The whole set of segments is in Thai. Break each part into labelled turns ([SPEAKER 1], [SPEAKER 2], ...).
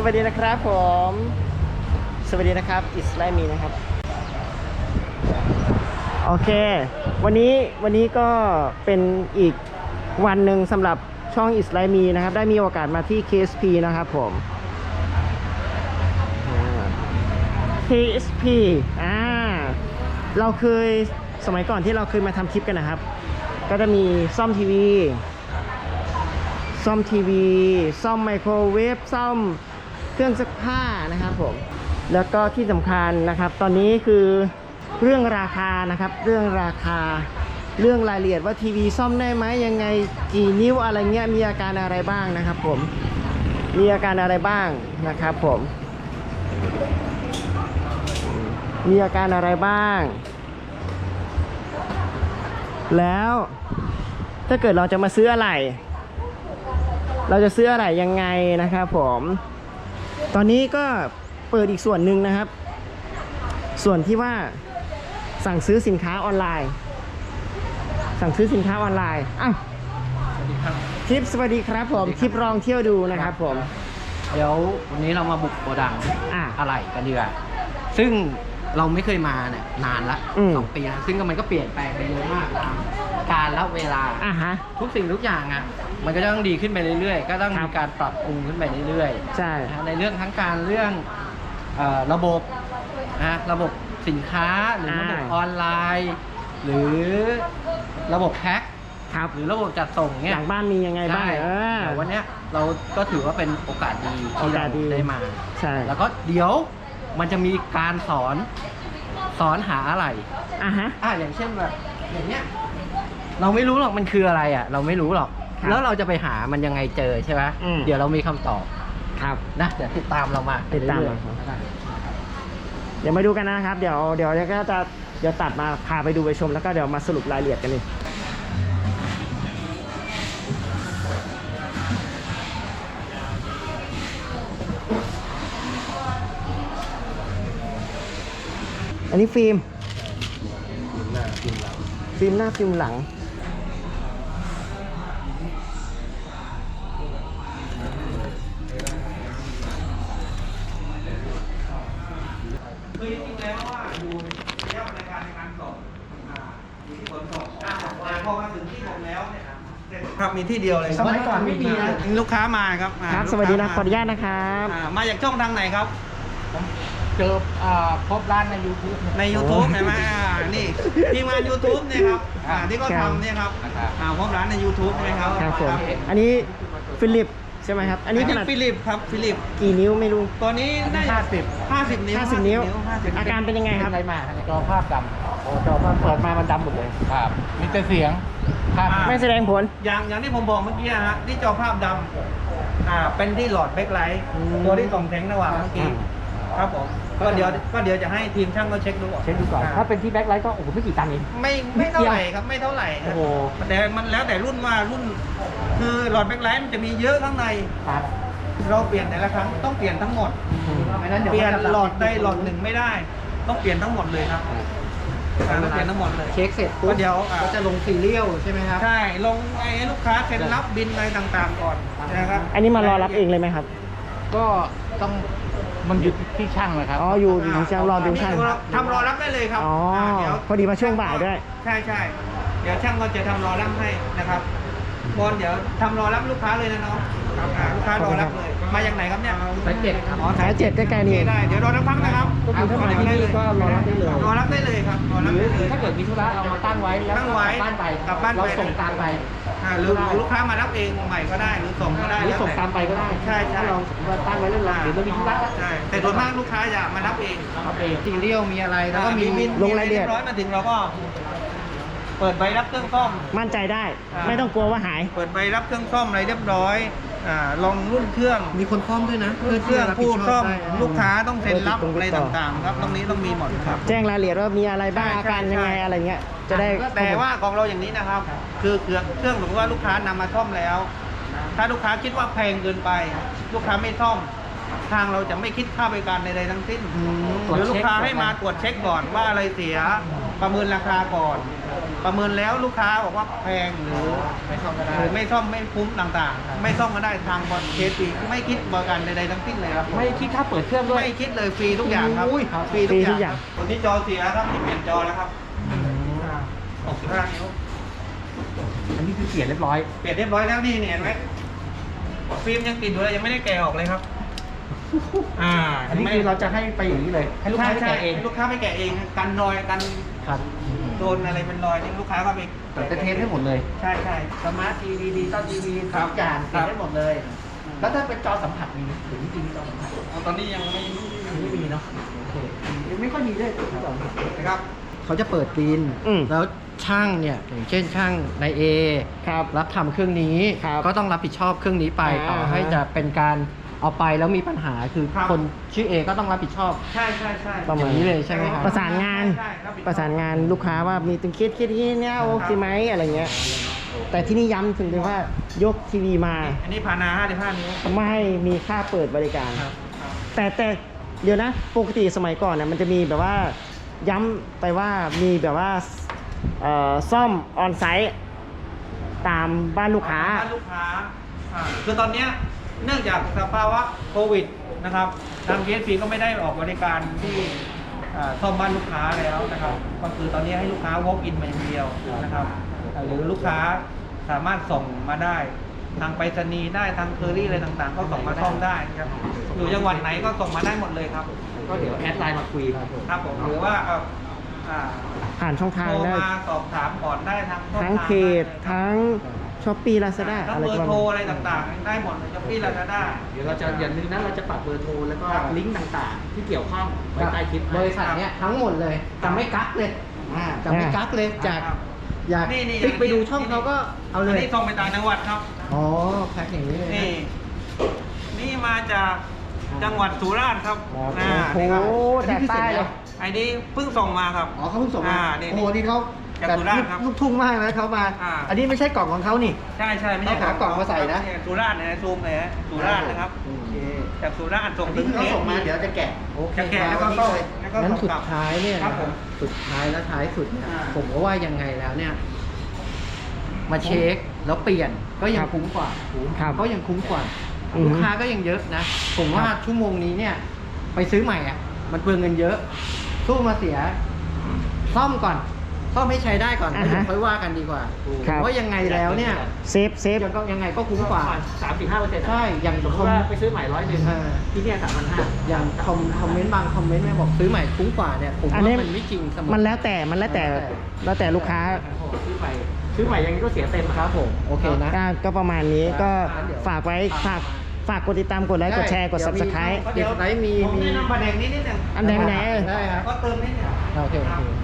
[SPEAKER 1] วัสดีนะครับผมสวัสดีนะครับอิสไลมีนะครับโอเควันนี้ก็เป็นอีกวันหนึ่งสำหรับช่องอิสไลมีนะครับได้มีโอกาสมาที่ KSP นะครับผม KSP เราเคยสมัยก่อนที่เราเคยมาทำคลิปกันนะครับก็จะมีซ่อมทีวีซ่อมไมโครเวฟซ่อมเครื่องซักผ้านะครับผมแล้วก็ที่สำคัญนะครับตอนนี้คือเรื่องราคานะครับเรื่องราคาเรื่องรายละเอียดว่าทีวีซ่อมได้ไหมยังไงกี่นิ้วอะไรเงี้ยมีอาการอะไรบ้างนะครับผมมีอาการอะไรบ้างนะครับผมมีอาการอะไรบ้างแล้วถ้าเกิดเราจะมาซื้ออะไรเราจะซื้ออะไรยังไงนะครับผมตอนนี้ก็เปิดอีกส่วนหนึ่งนะครับส่วนที่ว่าสั่งซื้อสินค้าออนไลน์อ้าวสวัสดีครับคลิปสวัสดีครับผมคลิปลองเที่ยวดูนะครับผม
[SPEAKER 2] เดี๋ยววันนี้เรามาบุกโกดังอะไรกันดีกว่าซึ่งเราไม่เคยมาเนี่ยนานละ2 ปีแล้วซึ่งมันก็เปลี่ยนแปลงไปเยอะมากตามการและเวลาทุกสิ่งทุกอย่างมันก็ต้องดีขึ้นไปเรื่อยๆก็ต้องมีการปรับปรุงขึ้นไปเรื่อยๆ
[SPEAKER 1] ใช่
[SPEAKER 2] ในเรื่องทั้งการเรื่องระบบสินค้าหรือระบบออนไลน์หรือระบบแพ็คหรือระบบจัดส่งเนี่ย
[SPEAKER 1] หลังบ้านมียังไงบ้าง
[SPEAKER 2] แต่วันนี้เราก็ถือว่าเป็นโอกาสดีที่เราได้มา
[SPEAKER 1] ใช่
[SPEAKER 2] แล้วก็เดี๋ยวมันจะมีการสอนหาอะไรอย่างเช่นแบบอย่างเนี้ยเราไม่รู้หรอกมันคืออะไรเราไม่รู้หรอกแล้วเราจะไปหามันยังไงเจอใช่ไหมเดี๋ยวเรามีคำตอบนะเดี๋ยวติดตามเรามา
[SPEAKER 1] เดี๋ยวมาดูกันนะครับเดี๋ยวก็จะตัดมาพาไปดูไปชมแล้วก็เดี๋ยวมาสรุปรายละเอียดกันเลยอันนี้ฟิล์มหน้าฟิล์มหลัง
[SPEAKER 3] คือจริงๆแล้วว่าอยู่ในการส่งอยู่ที่ขนส่งแต่พอมาถึงที่ผมแล้วเนี่ยครับมีที่เดียวเลย
[SPEAKER 1] สมัยก่อนไม่มีนะ
[SPEAKER 3] ลูกค้ามาครับ
[SPEAKER 1] สวัสดีนะขออนุญาตนะครับ
[SPEAKER 3] มาจากช่องทางไหนครับ
[SPEAKER 2] เจอพบร้านใน YouTube
[SPEAKER 3] ใน YouTube เห็นไหมนี่ทีมงาน YouTube เนี่ยครับที่เขาทำเนี่ยครับพบร้านใน YouTube ใช่ไหมครับ
[SPEAKER 1] ครับผมอันนี้ฟิลิปใช่ไหมครับอันนี้
[SPEAKER 3] ฟิลิปครับฟิลิป
[SPEAKER 1] กี่นิ้วไม่รู้
[SPEAKER 3] ตัวนี้ได้50
[SPEAKER 1] นิ้วอาการเป็นยังไงครับ
[SPEAKER 2] อะไรมาจอภาพดำจอภาพเปิดมามันดำหมดเลยครับมีแต่เสียง
[SPEAKER 1] ไม่แสดงผล
[SPEAKER 3] อย่างที่ผมบอกเมื่อกี้ฮะที่จอภาพดำเป็นที่หลอดแบ็คไลท์ตัวที่ส่องแสงระหว่างเมื่อกี้ครับผมก็เดี๋ยวจะให้ทีมช่างเขาเช็คดูก่อน
[SPEAKER 2] ถ้าเป็นที่แบ็คไลท์ก็โอ้โหไม่กี่ตังค์เอง
[SPEAKER 3] ไม่เท่าไหร่ครับไม่เท่าไหร่โอ้โหแต่มันแล้วแต่รุ่นว่ารุ่นคือหลอดแบ็คไลท์มันจะมีเยอะข้างในเราเปลี่ยนแต่ละครั้งต้องเปลี่ยนทั้งหมดเปลี่ยนหลอดใดหลอดหนึ่งไม่ได้ต้องเปลี่ยนทั้งหมดเลยครับต้องเปลี่ยนทั้งหมดเลย
[SPEAKER 2] เช็คเสร็จปุ๊บเดี๋ยวก็จะลงซีเรียลใช่ไหมครับ
[SPEAKER 3] ใช่ลงให้ลูกค้าเซ็นรับบินอะไรต่างๆก่อนนะครับ
[SPEAKER 1] อันนี้มารอรับเองเลยไหมครับ
[SPEAKER 2] ก็ต้องมันอยู่ที่ช่างเลยครับ
[SPEAKER 1] อยู่ช่างรอดูช่าง
[SPEAKER 3] ทำรอรับได้เลยครับ
[SPEAKER 1] เดี๋ยวพอดีมาช่วงบ่ายด้วย
[SPEAKER 3] ใช่เดี๋ยวช่างก็จะทำรอรับให้นะครับบอลเดี๋ยวทำรอรับลูกค้าเลยนะน้องลูกค้ารอรับเลยมาจากไหนครับเนี่ย
[SPEAKER 2] สาย7ครับ
[SPEAKER 1] สาย7ใกล้ๆนี่
[SPEAKER 3] ได้เดี๋ยวรอรับพักนะครับ
[SPEAKER 2] ก็คือถ้ามาที่นี่ก็รอรับได้เลย
[SPEAKER 3] รอรับได้เลยครับ
[SPEAKER 2] หรือถ้าเกิดมีธุระเรามาตั้งไว้แล้วกลับบ้านไปเราส่งตามไป
[SPEAKER 3] หรือลูกค้ามารับเองใหม่ก็ได้หรือส่งก็ได้
[SPEAKER 2] หรือส่งตามไปก็ได้
[SPEAKER 3] ใช่
[SPEAKER 2] เราตั้งไว้เรื่องหรือเรามีธุระ
[SPEAKER 3] ใช่แต่โดยมากลูกค้าจะมารับเอง
[SPEAKER 2] ซีเรียลมีอะไรแล้วก็มี
[SPEAKER 1] ลงรายละเอียด
[SPEAKER 3] มาถึงเราก็เปิดใบรับเครื่องซ่อม
[SPEAKER 1] มั่นใจได้ไม่ต้องกลัวว่าหาย
[SPEAKER 3] เปิดใบรับเครื่องซ่อมอะไรเรียบร้อยลองรุ่นเครื่อง
[SPEAKER 2] มีคนซ่อมด้วยนะ
[SPEAKER 3] เครื่องผู้ซ่อมลูกค้าต้องเซ็นรับอะไรต่างๆครับตรงนี้ต้องมีหมดครับ
[SPEAKER 1] แจ้งรายละเอียดว่ามีอะไรบ้างอาการยังไงอะไรเงี้ยจะได้
[SPEAKER 3] แต่ว่าของเราอย่างนี้นะครับคือเครื่องสมมติว่าลูกค้านำมาซ่อมแล้วถ้าลูกค้าคิดว่าแพงเกินไปลูกค้าไม่ซ่อมทางเราจะไม่คิดค่าบริการใดๆทั้งสิ้นหรือลูกค้าให้มาตรวจเช็คก่อนว่าอะไรเสียประเมินราคาก่อนประเมินแล้วลูกค้าบอกว่าแพงหรือ
[SPEAKER 2] ไม่ซ่อมก็ได้
[SPEAKER 3] หรือไม่ซ่อมไม่คุ้มต่างๆ ไม่ซ่อมก็ได้ทางบอลเคสฟรีไม่คิดบริการใดๆทั้งสิ้นเลยครับ
[SPEAKER 2] ไม่คิดค่าเปิดเครื่องด้วย
[SPEAKER 3] ไม่คิดเลยฟรีทุกอย่างครับ
[SPEAKER 2] อุ้ย
[SPEAKER 3] ฟรีทุกอย่างตัวนี้จอเสียครับที่เปลี่ยนจอแล้วครับ65 นิ้ว
[SPEAKER 2] อันนี้คือเปลี่ยนเรียบร้อย
[SPEAKER 3] เปลี่ยนเรียบร้อยแล้วนี่เห็นไหมฟิล์มยังติดอยู่เลยยังไม่ได้แกะออกเลยครับ
[SPEAKER 2] อันนี้คือเราจะให้ไปอย่างนี้เลย ให้ลูกค้าไป
[SPEAKER 3] ใช่
[SPEAKER 2] แกะเอง
[SPEAKER 3] ให้ลูกค้าไปแกะเองกันรอยกัน
[SPEAKER 2] ครับ
[SPEAKER 3] โดนอะไรเป็นรอยนี่ลูกค้าก็ไป
[SPEAKER 2] แต่เทสให้หมดเลย
[SPEAKER 3] ใช่ใช่
[SPEAKER 2] สมาร์ททีวีดีต้อนทีวี
[SPEAKER 3] ครับ
[SPEAKER 2] ทุกอย่าง
[SPEAKER 3] ครั
[SPEAKER 2] เปลี่ย
[SPEAKER 3] บ
[SPEAKER 2] นได้หมดเลย แล้วถ้าเป็นจอสัมผัสมีไหมหรือจริงๆมีจอสัมผัส
[SPEAKER 3] ตอนนี้ยังไม่
[SPEAKER 2] ไม่มีเนาะโอเคยังไม่ค่อยมีด้วยจอสัมผัส
[SPEAKER 3] นะครับ
[SPEAKER 2] เขาจะเปิดบิน
[SPEAKER 1] อืม
[SPEAKER 2] แล้วช่างเนี่ยอย่างเช่นช่างนายเอ
[SPEAKER 1] ครับ
[SPEAKER 2] รับทำเครื่องนี้
[SPEAKER 1] ครับ
[SPEAKER 2] ก็ต้องรับผิดชอบเครื่องนี้ไป
[SPEAKER 1] อ่า
[SPEAKER 2] ต่อให้จะเป็นการเอาไปแล้วมีปัญหาคือ
[SPEAKER 3] ครับ
[SPEAKER 2] คนชื่อเอก็ต้องรับผิดชอบ
[SPEAKER 3] ใช่ใช่ใช่
[SPEAKER 1] ประ
[SPEAKER 2] อ
[SPEAKER 1] มาณ
[SPEAKER 2] ย่างนี้เลยใช่ไหมครับ
[SPEAKER 1] ประสานงาน
[SPEAKER 3] ใช่ครับ
[SPEAKER 1] ประสานงานลูกค้าว่ามีตึงเคสนี้เนี่ยโอเคไหมอะไรเงี้ย แต่ที่นี่ย้ำถึงว่ายกทีวีมา
[SPEAKER 3] อันนี้พานา55 นิ้ว
[SPEAKER 1] ไม่ให้มีค่าเปิดบริการ
[SPEAKER 3] ครับ
[SPEAKER 1] แต่เดี๋ยวนะปกติสมัยก่อนเนี่ยมันจะมีแบบว่าย้ำไปว่ามีแบบว่าซ่อมออนไซต์ตามบ้านลูกค้า
[SPEAKER 3] บ้านลูกค้าคือตอนเนี้ยเนื่องจากสภาวะโควิดนะครับทาง KSP ก็ไม่ได้ออกบริการที่ซ่อมบ้านลูกค้าแล้วนะครับก็คือตอนนี้ให้ลูกค้า walk in มาอย่างเดียวนะครับหรือลูกค้าสามารถส่งมาได้ทางไปรษณีย์ได้ทางเคอรี่อะไรต่างๆ ก็ส่งมาซ่อมได้ครับอยู่จังหวัดไหนก็ส่งมาได้หมดเลยครับ
[SPEAKER 2] ก็เดี๋ยวแอดไลน์มาคุย
[SPEAKER 3] ครับผมหรือว่า
[SPEAKER 1] ผ่านช่องทาง
[SPEAKER 3] โทร
[SPEAKER 1] ได้
[SPEAKER 3] มาสอบถามก่อนได้ทางช่อง
[SPEAKER 1] ทั้ง
[SPEAKER 3] ทาง
[SPEAKER 1] เพจ
[SPEAKER 3] ได้
[SPEAKER 1] ทั้งช้อปปี้ลาซาด้า
[SPEAKER 3] ทั้ง
[SPEAKER 1] อะไร
[SPEAKER 3] เบอ
[SPEAKER 1] ก็
[SPEAKER 3] ร์
[SPEAKER 1] ว่า
[SPEAKER 3] โทร
[SPEAKER 1] มา
[SPEAKER 3] อะไรต่างๆ ได้หมดเลยช้อปปี้ลาซาด้า
[SPEAKER 2] เดี๋ยวเราจะอย่าลืมนะเราจะปักเบอร์โทรแล้วก็
[SPEAKER 3] ครับ
[SPEAKER 2] ลิงก์ต่างๆ ที่เกี่ยวข้องไว้ใต้คลิป
[SPEAKER 3] ครับ
[SPEAKER 2] บริษัทเนี้ยทั้งหมดเลยจะไม่กักเลยจะไม่กักเลยจาก
[SPEAKER 3] ครับ
[SPEAKER 2] อยาก
[SPEAKER 3] นี่
[SPEAKER 2] คลิกไปดูช่องเขาก็เอาเลย
[SPEAKER 3] นนี้ส่งไปต่างจังหวัดครับ
[SPEAKER 2] อ๋อแพ็คอย่างนี้เลยนะ
[SPEAKER 3] นี่มาจากจังหวัดสุราษฎร์ครับ
[SPEAKER 1] ครับ
[SPEAKER 3] นี่ครับ
[SPEAKER 1] โอ้โหแต่ใต้เลย
[SPEAKER 3] ไอ้นี้เพิ่งส่งมาครับ
[SPEAKER 2] อ๋อเขาเพิ่งส่งมา
[SPEAKER 3] นี่
[SPEAKER 2] โอ้โหนี่เขา
[SPEAKER 3] จากสุราษฎร์ครับ
[SPEAKER 2] ลูกทุ่งมากนะเขามา อันนี้ไม่ใช่กล่องของเขานี่
[SPEAKER 3] ใช่ใช่ไม่ใช่
[SPEAKER 2] ต้องหากล่องมาใส่นะ
[SPEAKER 3] สุราษฎร์นะซูมเลยฮะสุราษฎร์นะครับ
[SPEAKER 2] โอเค
[SPEAKER 3] จากสุราษฎร์ส่ง
[SPEAKER 2] อัน
[SPEAKER 3] ถึ
[SPEAKER 2] นี้
[SPEAKER 3] ง
[SPEAKER 2] คือเขาส่งมาเดี๋ยวจะแกะโอเค
[SPEAKER 3] จะแกะแล้วก็
[SPEAKER 2] วันนี้
[SPEAKER 3] ส่ง
[SPEAKER 2] เลย
[SPEAKER 3] แล้วก็
[SPEAKER 2] งั้น
[SPEAKER 3] ส่ง
[SPEAKER 2] สุ
[SPEAKER 3] กลั
[SPEAKER 2] ด
[SPEAKER 3] บ
[SPEAKER 2] ท้ายเนี่ย
[SPEAKER 3] ครับผม
[SPEAKER 2] สุดท้ายและท้ายสุดเนี่ยผมก็ว่ายังไงแล้วเนี่ย มาเช็คแล้วเปลี่ยนก็ยังคุ้มกว่า
[SPEAKER 1] ครับ
[SPEAKER 2] ก็ยังคุ้มกว่า
[SPEAKER 1] อืม
[SPEAKER 2] ลูกค้าก็ยังเยอะนะ ผมว่าชั่วโมงนี้เนี่ย ไปซื้อใหม่อ่ะ มันเปลืองเงินเยอะ สู้มาเสีย ซ่อมก่อน ซ่อมให้ใช้ได้ก่อนแล้วเดี๋ยวค่อยว่ากันดีกว่า
[SPEAKER 1] ครับ
[SPEAKER 2] เพราะยังไงแล้วเนี่ย
[SPEAKER 1] เซฟ
[SPEAKER 2] ยังไงก็คุ้มกว่า
[SPEAKER 4] 3-5%
[SPEAKER 2] ใช่ อย่าง
[SPEAKER 4] สมมติว่าไปซื้อใหม่100ที่เนี่ย3,500
[SPEAKER 2] อย่างคอมเมนต์บางคอมเมนต์เนี่ยบอกซื้อใหม่คุ้มกว่าเนี่ย ผม
[SPEAKER 1] อัน
[SPEAKER 2] ว่า
[SPEAKER 1] นี้
[SPEAKER 2] มันไม่จริงเสมอ
[SPEAKER 1] มันแล้วแต่ลูกค้า
[SPEAKER 4] ซื้อใหม่ยังไงก็เสียเต็ม
[SPEAKER 2] ครับผม โอเคนะ
[SPEAKER 1] ก็ประมาณนี้ก็
[SPEAKER 2] เดี๋ยว
[SPEAKER 1] ฝากไว้ฝากกดติดตามกดไลค์กดแชร์กด subscribe
[SPEAKER 2] เดี๋ยวไหนมี
[SPEAKER 3] ผมแนะนำประเด็นนี้นิดหนึ่ง
[SPEAKER 1] อันแดงไหน
[SPEAKER 2] ได้ครับ
[SPEAKER 3] ก็เติมนิดหนึ่ง
[SPEAKER 2] โอเค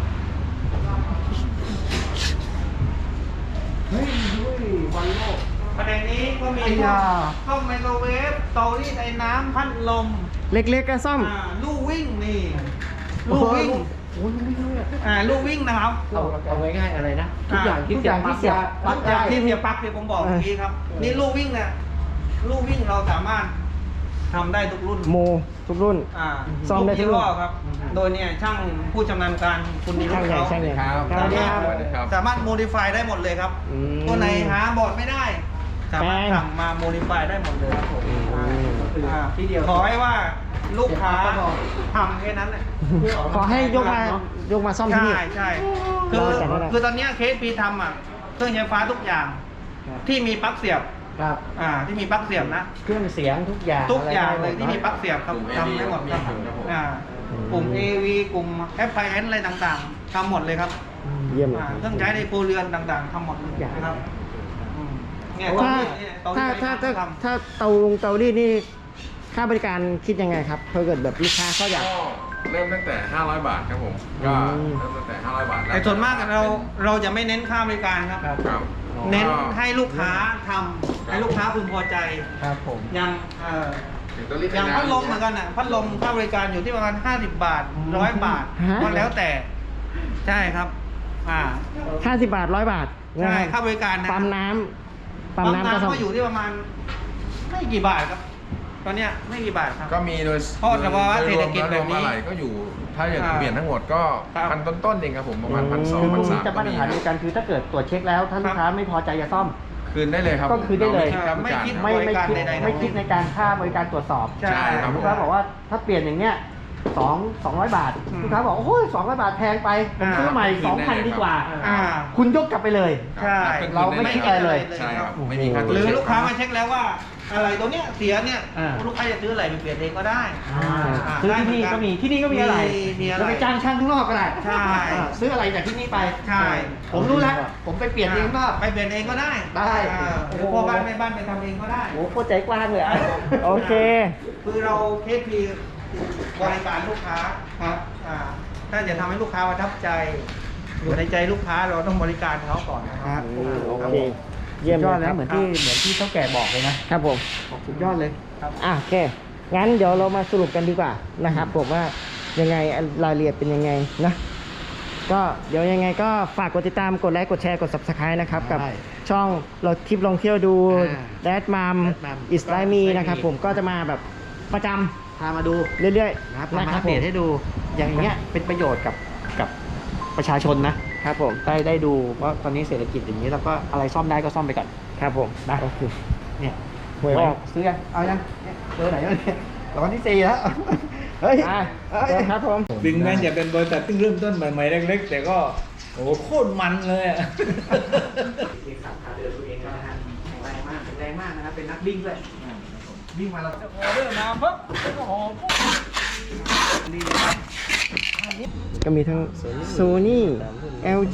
[SPEAKER 2] เฮ้ยวันโลก
[SPEAKER 3] ประเด็นนี้ก็มี
[SPEAKER 2] ไอ้ยา
[SPEAKER 3] ช่องไมโครเวฟเตารีดไอ้น้ำพัดลม
[SPEAKER 1] เล็กๆก็ซ่อม
[SPEAKER 3] ลู่วิ่งนี่ลู่วิ่ง
[SPEAKER 2] โอ้ยไม่รู้เลย
[SPEAKER 3] ลู่วิ่งนะครับ
[SPEAKER 2] เอาง่ายๆอะไรนะ ทุกอย่างที่เสียบปลั๊ก
[SPEAKER 3] ทุกอย่างที่เสียบปลั๊กที่ผมบอกเมื่อกี้ครับ นี่ลู่วิ่งเนี่ยลู่วิ่งเราสามารถทำได้ทุกรุ่น
[SPEAKER 1] โมทุกรุ่น ซ่อมได้ทุกรุ่น
[SPEAKER 3] ยี่ห้อครับ โดยเนี่ยช่างผู้ชำนาญการคุณนิรุตเขา
[SPEAKER 1] ช่างใหญ่
[SPEAKER 3] สามารถโมดิฟายได้หมดเลยครับ
[SPEAKER 1] อืม
[SPEAKER 3] ตัวไหนหาบอร์ดไม่ได้ สามารถสั่งมาโมดิฟายได้หมดเลยครับผม
[SPEAKER 2] ที่เดียว
[SPEAKER 3] ขอให้ว่าลูกค้าทำแค่นั้นแหละ
[SPEAKER 1] ขอให้ยกมาซ่อมที่
[SPEAKER 3] ใช่
[SPEAKER 1] นี่
[SPEAKER 3] ใช่
[SPEAKER 1] เราจัดให้ได้
[SPEAKER 3] คือตอนเนี้ยเคสปีทำเครื่องใช้ไฟฟ้าทุกอย่าง ที่มีปลั๊กเสียบ
[SPEAKER 2] ครับ
[SPEAKER 3] ที่มีปลั๊กเสียบนะ
[SPEAKER 2] เครื่องเสียงทุกอย่าง
[SPEAKER 3] ทุกอย่างเลย
[SPEAKER 2] ะไร
[SPEAKER 3] ที่มีปลั๊กเสียบครับทำได้หมดครับกลุ่ม AV กลุ่ม FIN อะไรต่างๆทำหมดเลยครับ
[SPEAKER 1] เยี่ยมเลย
[SPEAKER 3] เครื่องใช้ในครัวเรือนต่างๆทำหมดเลยนะครับเนี่ยตอน
[SPEAKER 1] ถ้า
[SPEAKER 3] นี้เนี่ยตอนนี้
[SPEAKER 1] ถ้าเตารีดนี่ค่าบริการคิดยังไงครับถ้าเกิดแบบลูกค้าเขาอยาก
[SPEAKER 5] ก็เริ่มตั้งแต่ 500 บาทครับผม ก็เริ่มตั้งแต่ 500 บาท
[SPEAKER 3] แต่ส่วนมากเราจะไม่เน้นค่าบริการครับ
[SPEAKER 5] ครับ
[SPEAKER 3] เน้นให้ลูกค้าทำให้ลูกค้าพึงพอใจ
[SPEAKER 2] ครับผม
[SPEAKER 3] อย่าง
[SPEAKER 5] ถึงตัวรีด
[SPEAKER 3] อย่างพัดลมเหมือนกันอ่ะพัดลมค่าบริการอยู่ที่ประมาณ50 บาท100 บาท
[SPEAKER 1] ฮะ
[SPEAKER 3] ก็แล้วแต่ใช่ครับ
[SPEAKER 1] 50 บาท 100 บาท
[SPEAKER 3] ใช่
[SPEAKER 1] นะค
[SPEAKER 3] ค่า
[SPEAKER 1] รับบ
[SPEAKER 3] ริการนะ
[SPEAKER 1] ปั๊มน้ำก็ซ่อม
[SPEAKER 3] ก็อยู่ที่ประมาณไม่กี่บาทครับตอนเนี้ยไม่กี่บาทครับ
[SPEAKER 5] ก็มีโดย
[SPEAKER 3] เพราะแต่ว่าเศรษฐกิจแบบนี้
[SPEAKER 5] โดยรวมอะไรก็อยู่ ถ้าอย่างเปลี่ยนทั้งหมดก็
[SPEAKER 3] ครับ
[SPEAKER 5] พันต้นๆเองครับผมประมาณ1,200
[SPEAKER 4] คือพวกนี้
[SPEAKER 5] 1,300
[SPEAKER 4] จะ
[SPEAKER 5] ก็
[SPEAKER 4] มาตร
[SPEAKER 5] มี
[SPEAKER 4] ฐานเดียวกันคือถ้าเกิดตรวจเช็คแล้วถ้าลูกค้าไม่พอใจจะซ่อม
[SPEAKER 5] คืนได้เลยครับ
[SPEAKER 4] ก็คืนได้เลย
[SPEAKER 5] ราไม่คิดค่าบริการ
[SPEAKER 3] ไม่คิด
[SPEAKER 5] ครับ
[SPEAKER 4] ไม่คิดในการค่าบริการตรวจสอบ
[SPEAKER 3] ใช่
[SPEAKER 5] ครับ
[SPEAKER 4] ลูกค้าบอกว่าถ้าเปลี่ยนอย่างเนี้ย200 บาท
[SPEAKER 3] อืม
[SPEAKER 4] ลูกค้าบอกโอ้ย200 บาทแพงไปผมซื้อใหม่ 2,000 ดีกว่า
[SPEAKER 3] อ่า
[SPEAKER 4] คุณยกกลับไปเลย
[SPEAKER 3] ใช่
[SPEAKER 4] เราไม่คิดอะไรเลย
[SPEAKER 5] ใช่ครับไม่มีค่าตรวจ
[SPEAKER 3] หรือ
[SPEAKER 5] เช็ค
[SPEAKER 3] ลูกค้ามาเช็คแล้วว่าอะไรตัวเนี้ยเสียเนี่ย
[SPEAKER 4] อ่า
[SPEAKER 3] ลูกค้าจะซื้ออะไรไปเปลี่ยนเองก็ได้
[SPEAKER 4] ซื้อที่นี่ก็มีที่นี่ก็มีอะไร
[SPEAKER 3] มีอะไร
[SPEAKER 4] เราไปจ้างช่างข้างนอกก็ได้
[SPEAKER 3] ใช่
[SPEAKER 4] ซื้ออะไรจากที่นี่ไป
[SPEAKER 3] ใช่
[SPEAKER 4] ผมรู้แล้วผมไปเปลี่ยนเองก็
[SPEAKER 3] ไปเปลี่ยนเองก็ได้
[SPEAKER 4] ได้
[SPEAKER 3] หรือพ่อบ้านแม่บ้านไปทำเองก็ได้
[SPEAKER 4] โอ้โหโคตรใจกว้างเลยอะ
[SPEAKER 1] โอเค
[SPEAKER 3] คือเราเคสพีบริการลูกค้าครับถ้าจะทำให้ลูกค้าประทับใจ อยู่ในใจลูกค้าเราต้องบริการเขาก่อนนะครับ
[SPEAKER 1] โอ
[SPEAKER 3] ครับ
[SPEAKER 1] เค เยี่ยม
[SPEAKER 4] สุดยอด
[SPEAKER 1] เล
[SPEAKER 4] แล้
[SPEAKER 1] ยว
[SPEAKER 4] เหมือนที่เท่าแก่บอกเลยนะครับ
[SPEAKER 1] ผม
[SPEAKER 4] สุดยอดเลย
[SPEAKER 1] โอเค งั้นเดี๋ยวเรามาสรุปกันดีกว่านะครับผมว่ายังไงรายละเอียดเป็นยังไงนะ ก็เดี๋ยวยังไงก็ฝากกดติดตาม กดไลค์ กดแชร์ กด subscribe นะครับ กับ
[SPEAKER 4] ได้
[SPEAKER 1] ช่องเราทริปลองเที่ยวดู
[SPEAKER 4] อ่า
[SPEAKER 1] Dad Mom
[SPEAKER 4] Mom
[SPEAKER 1] Is Like Me นะครับ
[SPEAKER 4] Me
[SPEAKER 1] ผมก็จะมาแบบประจ
[SPEAKER 4] พามาดู
[SPEAKER 1] ำเรื่อยๆ
[SPEAKER 4] นะครับ
[SPEAKER 1] นะ
[SPEAKER 4] มา
[SPEAKER 1] ครั
[SPEAKER 4] อั
[SPEAKER 1] บ
[SPEAKER 4] ป
[SPEAKER 1] ผ
[SPEAKER 4] เด
[SPEAKER 1] ม
[SPEAKER 4] ตให้ดูอย่างเงี้ยเป็นประโยชน์กับประชาชนนะครับ
[SPEAKER 1] ผม
[SPEAKER 4] ได้ดูว่าตอนนี้เศรษฐกิจอย่างนี้แล้วก็อะไรซ่อมได้ก็ซ่อมไปก่อน
[SPEAKER 1] ครับผม
[SPEAKER 4] นะ
[SPEAKER 1] โอเค
[SPEAKER 4] เนี่ย
[SPEAKER 1] หวยออก
[SPEAKER 4] ซื้อยังเอายังเนี่ยเบอร์ไหนแล้วเนี่ยรางวัลที่4แล้วเฮ้ย
[SPEAKER 1] อ่ะ
[SPEAKER 4] เฮ้ย
[SPEAKER 1] ครับผม
[SPEAKER 6] ถึงแม้จะเป็นบริษัทที่เริ่มต้นใหม่ๆเล็กๆแต่ก็โอ้โหโคตรมันเลยอะ
[SPEAKER 4] เอกสารพาเดินตัวเองแล้วนะฮะแข็งแรงมากนะครับเป็นนักวิ่งด้วยวิ่งมาแล้ว
[SPEAKER 6] ออเดอร์มาปุ๊บก็หอม
[SPEAKER 1] ก็มีทั้ง Sony LG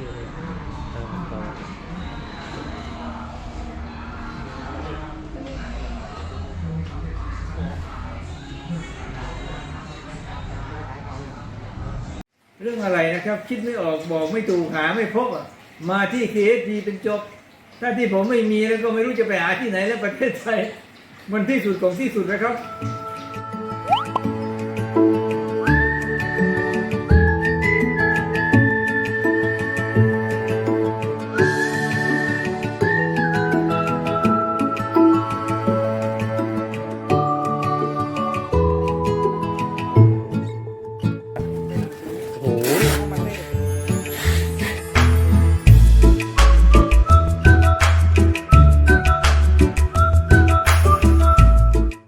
[SPEAKER 6] เรื่องอะไรนะครับ คิดไม่ออกบอกไม่ถูกหาไม่พบอ่ะมาที่ KSP เป็นจบ ถ้าที่ผมไม่มีแล้วก็ไม่รู้จะไปหาที่ไหนแล้วประเทศไทยมันที่สุดของที่สุดนะครับ